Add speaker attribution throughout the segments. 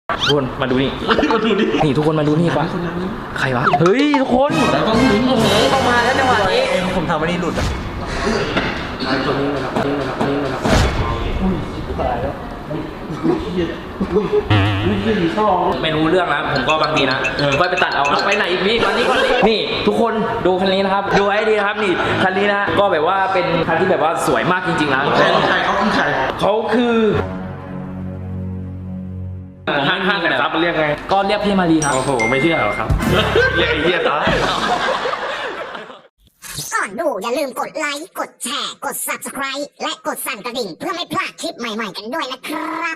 Speaker 1: ทุกคนมาดูนี่
Speaker 2: มาดูดิ
Speaker 1: นี่ทุกคนมาดูนี่ปะใครวะเฮ้ยทุกคน
Speaker 2: แล้วต้องดู
Speaker 1: ต้องมาแล้วจังหวะนี้
Speaker 3: ผมทำอันนี้หลุดอ่ะ
Speaker 2: ไอ้ตัวนี้มาแล้วนี่มาแล้วนี่มาแล้วตายแล้วเหี้ยดีช่อง
Speaker 1: ไม่รู้เรื่องนะผมก็บางทีนะก็ไปตัดเอาไปไหนอีกพี่วันนี้ก่อนนี่ทุกคนดูคันนี้นะครับดูให้ดีนะครับนี่คันนี้นะก็แบบว่าเป็นคันที่แบบว่าสวยมากจริงๆนะ
Speaker 2: ใครเขาคือใคร
Speaker 1: เขาคือ
Speaker 2: ห้างแต่ซับมันเรียกไง
Speaker 1: ก็เรียกพี่มารีครับ
Speaker 2: โอ้โหไม่เชื่อหรอครับเรียกไอ้เหี้ยตา
Speaker 4: ก่อนดูอย่าลืมกดไลค์ กดแชร์ กด Subscribe และกดสั่นกระดิ่งเพื่อไม่พลาดคลิปใหม่ๆกันด้วยนะครับ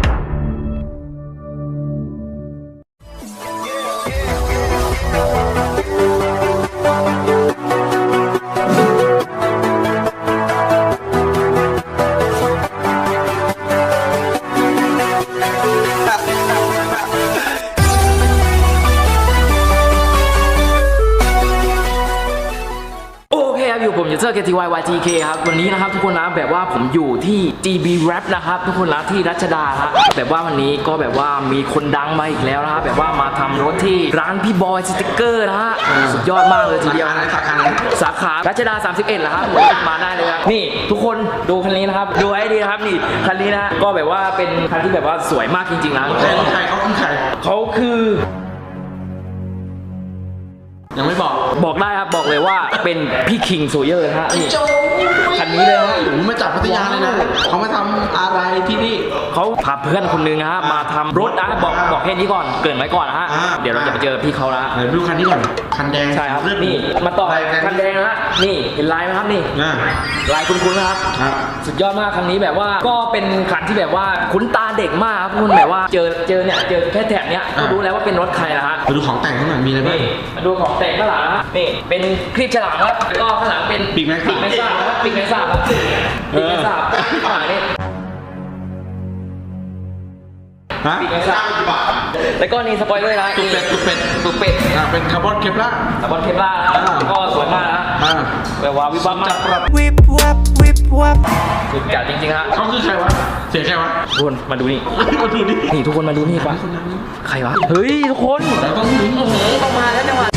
Speaker 1: อยู่ผมยูเซอร์ KTYYTK ครับวันนี้นะครับทุกคนนะแบบว่าผมอยู่ที่ GB Rap นะครับทุกคนนะที่รัชดาครับแบบว่าวันนี้ก็แบบว่ามีคนดังมาอีกแล้วนะครับแบบว่ามาทำรถที่ร้านพี่บอยสติ๊กเกอร์นะฮะสุดยอดมากเลยทีเดียวสาขารัชดา31เหรอครับมาได้เลยครับนี่ทุกคนดูคันนี้นะครับดูให้ดีนะครับนี่คันนี้นะก็แบบว่าเป็นคันที่แบบว่าสวยมากจริงๆนะ
Speaker 2: ใครเขาคือใคร
Speaker 1: เขาคือ
Speaker 2: ยังไม่บอก
Speaker 1: บอกได้ครับบอกเลยว่าเป็นพี่คิงโซเยอร์นะฮะนี่คันนี้เลยฮะ
Speaker 2: ผมมาจากพัทยาเลยนะเขามาทำอะไรที่นี่
Speaker 1: เขาพาเพื่อนคนนึงนะฮะมาทำรถนะบอกแค่นี้ก่อนเกริ่นไว้ก่อนนะฮะเดี๋ยวเราจะไปเจอพี่เขาละ
Speaker 2: ไหนดูคันนี้ก่อนคันแดง
Speaker 1: ใช่ครับนี่มาต่อคันแดงนะฮะนี่เห็นลายไหมครับนี่ลายคุ้นๆนะครับสุดยอดมากคันนี้แบบว่าก็เป็นคันที่แบบว่าคุ้นตาเด็กมากครับคุณแบบว่าเจอเนี่ยเจอแค่แถบเนี้ยก็รู้แล้วว่าเป็นรถใครนะฮะ
Speaker 2: มาดูของแต่งข้างหลังมีอะไรบ้าง
Speaker 1: มาดูของแต่งข้างหลังนะนี่เป็นคลิปฉลามครับแล้วก็ข้างหลังเป็น
Speaker 2: ปีกแมงสาบ
Speaker 1: ปีกแมงสาบครับปีกแมงสาบข้างหลังนี่
Speaker 2: ฮะ
Speaker 1: ปีกแมงสาบแล้วก็นี่สปอยเลอร์นะ
Speaker 2: ตุกเป็ดเป็นคาร์บอนเคปล่า
Speaker 1: สปอนเคปล่านะก็สวยมากนะแบบว่าวิบวับมาก
Speaker 3: วิบวับวิบวับ
Speaker 1: สุดจัดจริงๆฮะ
Speaker 2: เขาคือใครวะเสียงใครวะ
Speaker 1: ทุกคนมาดูนี่
Speaker 2: มาดูดิ
Speaker 1: นี่ทุกคนมาดูนี่ปะใครวะเฮ้ยทุกคน
Speaker 2: แล้วต้องดู
Speaker 1: ต้องมาแล้วจังหวะ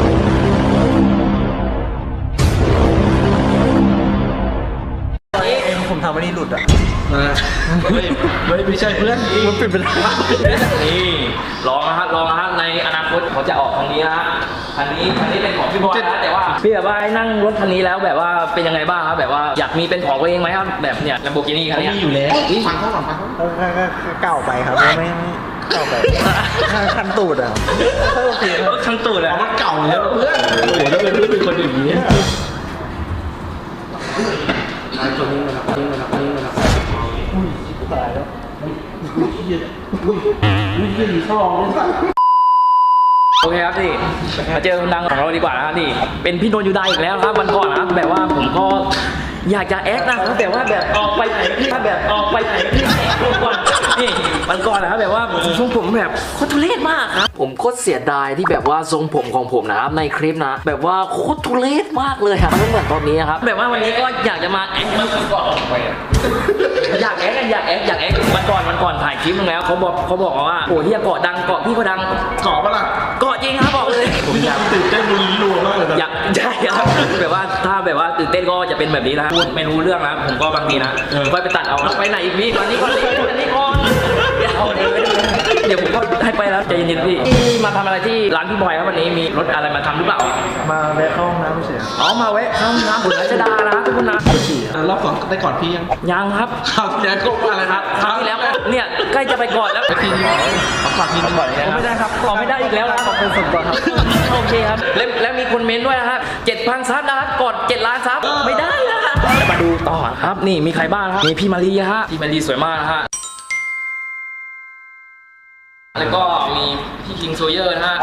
Speaker 3: ผมทำอันนี้หลุดอ่ะ
Speaker 2: ไม่ใช่เพื่อนมันเป็น
Speaker 1: นี่ลองนะฮะในอนาคตเขาจะออกคันนี้นะฮะคันนี้เป็นของพี่บอยนะแต่ว่าพี่แบบว่านั่งรถคันนี้แล้วแบบว่าเป็นยังไงบ้างครับแบบว่าอยากมีเป็นของตัวเองไหมครับแบบเนี่ย Lamborghini คันนี้
Speaker 2: มีอยู่แล้วฟังเขาก่อน
Speaker 3: ก็เก่าไปครับไม่เก่าไปคันตูดอ่ะโอเคครับ
Speaker 1: คันตูดอะ
Speaker 2: มันเก่าแล้วเพื่อนโอ้โหแล้วเป็นเพื่อนเป็นคนอย่างนี้ไอ้ตัวนี้มาแล้วนี่มาแล้วนี่มาแล้วตายแล้วเหี้ยดีช่อง
Speaker 1: โอเคครับนี่มาเจอคนดังของเราดีกว่านะครับนี่เป็นพี่โนนยูไดอีกแล้วครับวันก่อนนะครับแบบว่าผมก็อยากจะแอคนะครับแต่ว่าแบบออกไปไหนพี่แบบออกไปไหนพี่ก่อนนี่วันก่อนนะครับแบบว่าทรงผมแบบโคตรทุเรศมากครับผมโคตรเสียดายที่แบบว่าทรงผมของผมนะครับในคลิปนะแบบว่าโคตรทุเรศมากเลยครับไม่เหมือนตอนนี้ครับแบบว่าวันนี้ก็อยากจะมาแอคอยากแอควันก่อนถ่ายคลิปนึงแล้วเขาบอกว่าโอ้เฮียเกาะดังเกาะพี่เขาดัง
Speaker 2: เกาะปะล่ะ
Speaker 1: เกาะจริงครับบอกเลยผมอยาก
Speaker 2: ตื่นเต้นรุนรัวมากเลยนะ
Speaker 1: อยากใช่ครับแบบว่าถ้าแบบว่าตื่นเต้นก็จะเป็นแบบนี้นะพูดไม่รู้เรื่องนะผมก็บางทีนะก็ไปตัดเอาไปไหนอีกพี่วันนี้ก่อนเดี๋ยวผมก็ให้ไปแล้วใจเย็นๆพี่มาทำอะไรที่ร้านพี่บอยครับวันนี้มีรถอะไรมาทำหรือเปล่า
Speaker 3: มาแวะเข้าห้องน้ำไม่ใช่
Speaker 1: อ๋อมาแวะเข้าห้องน้ำบุญรัชดานะทุกคนนะ
Speaker 2: รอบสองได้ก่อนพี่ยัง
Speaker 1: ครับ
Speaker 2: คราวที่แล้วก็ว่าอะไร
Speaker 1: ครับคราวที่แล้วก็เนี่ยใกล้จะไปก่อนแล้ว
Speaker 2: ทีนี้ขอทีนึงก่อนเลยนะ
Speaker 1: ไม่ได้ครับขอไม่ได้อีกแล้วนะครับขอบคุณสุดก่อนครับโอเคครับแล้วมีคนเมนต์ด้วยนะครับ7,000 ซับนะครับกด7 ล้านซับไม่ได้นะครับมาดูต่อครับนี่มีใครบ้างครับมีพี่มารีฮะพี่มารีสวยมากนะฮะแล้วก็มีพี่คิงโซเยอร์นะฮะ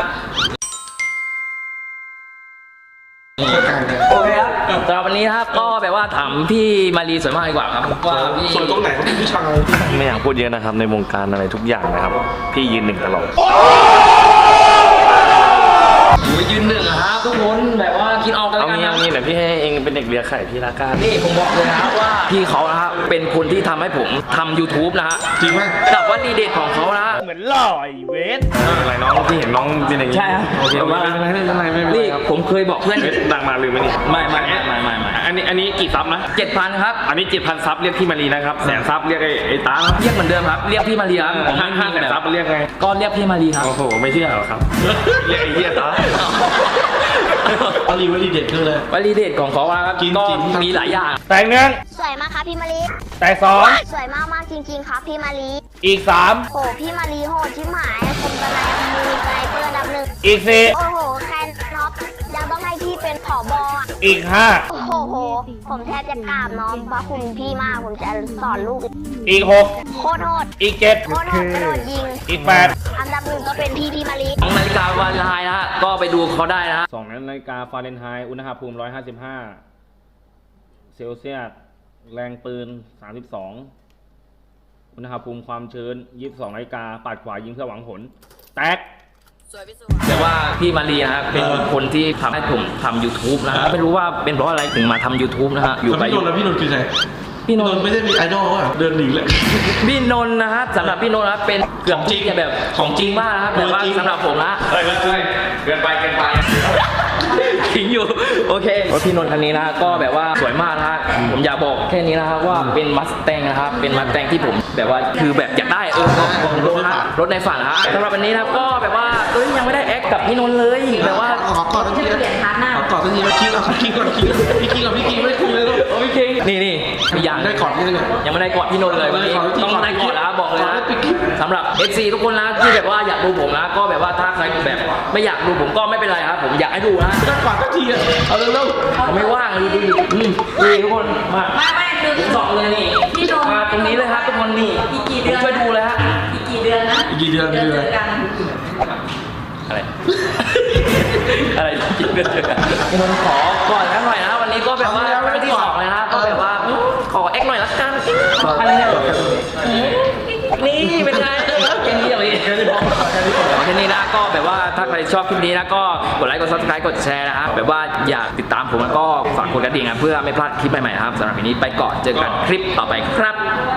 Speaker 1: โอเคครับสำหรับวันนี้นะครับก็แบบว่าถามพี่มารีสวยมากดีกว่าครับว่าพี่
Speaker 2: ส่วนตรงไหนเขาเป็นผู้ชาย
Speaker 5: ไม่อยากพูดเยอะนะครับในวงการอะไรทุกอย่างนะครับ พี่ยืนหนึ่งตลอด
Speaker 1: ไปยืนหนึ่งอะครับทุกคนแบบว่าคิดออกกัน
Speaker 2: เอา
Speaker 1: แล้วกัน
Speaker 2: งี้
Speaker 1: นะ
Speaker 2: เดี๋ยวพี่ให้เองเป็นเด็กเลี้ยงไข่พี่ละกัน
Speaker 1: นี่ผมบอกเลยนะครับว่าพี่เขานะฮะเป็นคนที่ทำให้ผมทำ YouTube นะฮะ
Speaker 2: จริงไหม
Speaker 1: กับวลีเด็ดของเขานะฮะ
Speaker 3: เหมือนหล่อไอ้เวส
Speaker 2: อะไรน้องพี่เห็นน้องเป็นอย่างนี้
Speaker 1: ใช่ครับ
Speaker 2: โอเคไม่เป็นไรไม่เป็นไรไม่เป็นไร
Speaker 1: นี่
Speaker 2: ครับ
Speaker 1: ผมเคยบอกเพื่อน
Speaker 2: ดังมาลืมไหมนี่
Speaker 1: ไม่
Speaker 2: อันนี้กี่ซับนะ
Speaker 1: 7,000ครับ
Speaker 2: อันนี้ 7,000 ซับเรียกพี่มารีนะครับแสนซับเรียกไอ้ตา
Speaker 1: เรียกเหมือนเดิมครับเรียกพี่มารีครับผมไม่
Speaker 2: ห้า
Speaker 1: มี
Speaker 2: แสน
Speaker 1: แบบ
Speaker 2: ซับเรียกไง
Speaker 1: ก็เรียกพี่มารีครับ
Speaker 2: โอ้โหไม่เชื่อหรอครับเรียกไอ้เหี้ยตา
Speaker 5: วลีเด็ดคืออะไร
Speaker 1: วลีเด็ดของเขาอะครับ
Speaker 5: กิน
Speaker 1: ก็
Speaker 5: กิน
Speaker 1: มีหลายอย่าง
Speaker 3: แต่งหนึ่ง
Speaker 6: สวยมากครับพี่มารี
Speaker 3: แต่สอง
Speaker 6: สวยมากมากๆจริง ๆ ครับพี่มารี
Speaker 3: อีกสาม
Speaker 6: โหพี่มารีโหดชิบหายผมสไนป์มือสไนเปอร์อันดับหนึ่ง
Speaker 3: อีกสี่
Speaker 6: โอ้โหแคนน็อปยังต้องให้พี่เป็นผอบอ่ะ
Speaker 3: อีกห้า
Speaker 6: โอ้โหผมแทบจะกราบน้องพระคุณพี่มากผมจะสอนลูก
Speaker 3: อีกหก
Speaker 6: โคตรโหด
Speaker 3: อีกเจ็ด
Speaker 6: โคตรโหดกระโดดยิง
Speaker 3: อีกแปด
Speaker 6: อันดับหนึ่งก็เป็นพี่มารี
Speaker 1: ของนาฬิกาวาเลนไทน์นะฮะก็ไปดูเขาได้นะฮะ
Speaker 3: 2 นาฬิกาฟาเรนไฮต์อุณหภูมิ 155 เซลเซียส แรงปืน 32 อุณหภูมิความชื้น 22 นาฬิกาปัดขวายิงเพื่อหวังผล แตก
Speaker 1: แต่ว่าพี่มารีนะฮะเป็นคนที่ทำให้ผมทำ YouTube นะฮะไม่รู้ว่าเป็นเพราะอะไรถึงมาทำ YouTube นะฮะอยู่ไป
Speaker 5: พี่นนท์แล้วพี่นนท์คือใคร
Speaker 1: พี่นนท์
Speaker 5: ไม่ได้มีไอดอลอ่ะเดินหนีเลย
Speaker 1: พี่นนท์นะฮะสำหรับพี่นนท์นะเป็นเกือบจริงแบบของจริงมากนะครับแต่ว่าสำหรับผมนะ
Speaker 2: เฮ้ยเกินไป
Speaker 1: ทิ้งอยู่โอเคพี่นนท์คันนี้นะก็แบบว่าสวยมากนะฮะผมอยากบอกแค่นี้นะครับว่าเป็นมัสแตงนะครับเป็นมัสแตงที่ผมแบบว่าคือแบบอยากได้รถในฝันนะฮะสำหรับวันนี้นะครับก็แบบว่ายังไม่ได้แอคกับพี่นนท์เลยแบบว่า
Speaker 5: ขอกอดทันทีขอกอดทันทีมาคิงเอาคิงก่อนคิงพี่คิงกับพี่คิงไม่คุยเลยลูก
Speaker 1: โอ้ยคิงนี่มีอย่าง
Speaker 5: ได้กอดยังไง
Speaker 1: ยังไม่ได้กอดพี่นนท์เลยวันนี้ต้องได้กอดแล้วบอกเลยนะสำหรับ FC ทุกคนนะที่แบบว่าอยากดูผมนะก็แบบว่าถ้าใครแบบไม่อยากดูผมก็ไม่เป็นไรครับผมอยากให้ดูนะ
Speaker 5: ได้กอดทันทีอ่ะเอาเร็ว
Speaker 1: ผมไม่ว่างเลยดูนี่ทุกคนมาไม่คือผมสองเลยนี่มาตรงนี้เลยครับทุกคนนี่อีกกี่เดือนช่วยดูเลยฮะอีกกี่เดือนนะ
Speaker 5: ๆกี่เดือน
Speaker 1: อะไร อะไรกินกันเถอะพี่นนท์ขอก่อนกันหน่อยนะวันนี้ก็แบบว่าเป็นที่สองเลยนะก็แบบว่าขอแอคหน่อยละกันอะไรเนี่ยนี่เป็นไงแค่นี้เลยแค่นี้นะก็แบบว่าถ้าใครชอบคลิปนี้นะก็กดไลค์กด subscribe กดแชร์นะครับแบบว่าอยากติดตามผมแล้วก็ฝากกดกระดิ่งนะเพื่อไม่พลาดคลิปใหม่ๆนะครับสำหรับวันนี้ไปก่อนเจอกันคลิปต่อไปครับ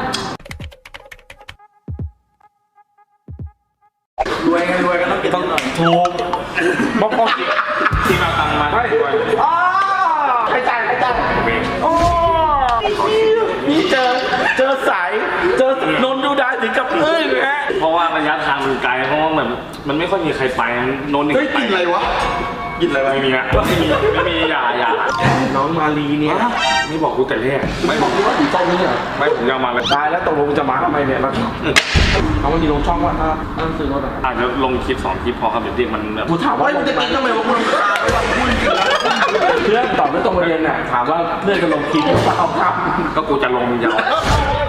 Speaker 2: รวยกันต้องถูกบอกที่มาตังมาด้วย
Speaker 3: ใครจ่ายโอ้นี่เจอสายเจอนนดูได้ถึงกับอึ้งฮะ
Speaker 2: เพราะว่าระยะทางมันไกลเพราะว่าแบบมันไม่ค่อยมีใครไปโนนนี่
Speaker 5: เฮ้ยกินอะไรวะกินอะไรวะ
Speaker 2: ไม่มีนะไม่มีอย่า
Speaker 5: น้องมาลีเนี่ย
Speaker 2: ไม่บอกกูแต่แรก
Speaker 5: ไม่บอกว่าอยู่ต้นนี้เหรอ
Speaker 2: ไม่ผมจะมาเลย
Speaker 5: ตายแล้วตกลงจะมาทำไมเนี่ยแล้วเอามันอยู่ลงช่องว่าถ้าซื้อรถอ่ะ
Speaker 2: อาจจะลงคลิป2 คลิปพอครับเดี๋ยวเด็กมันแบบ
Speaker 5: กูถามว่ามึงจะกินทำไมวะกูรำคาญวะพูดจริงแล้วเพื่อนตอบไม่ตรงประเด็นน่ะถามว่าเพื่อนจะลงคลิปหรือเปล่าครับ
Speaker 2: ก็กูจะลงยาว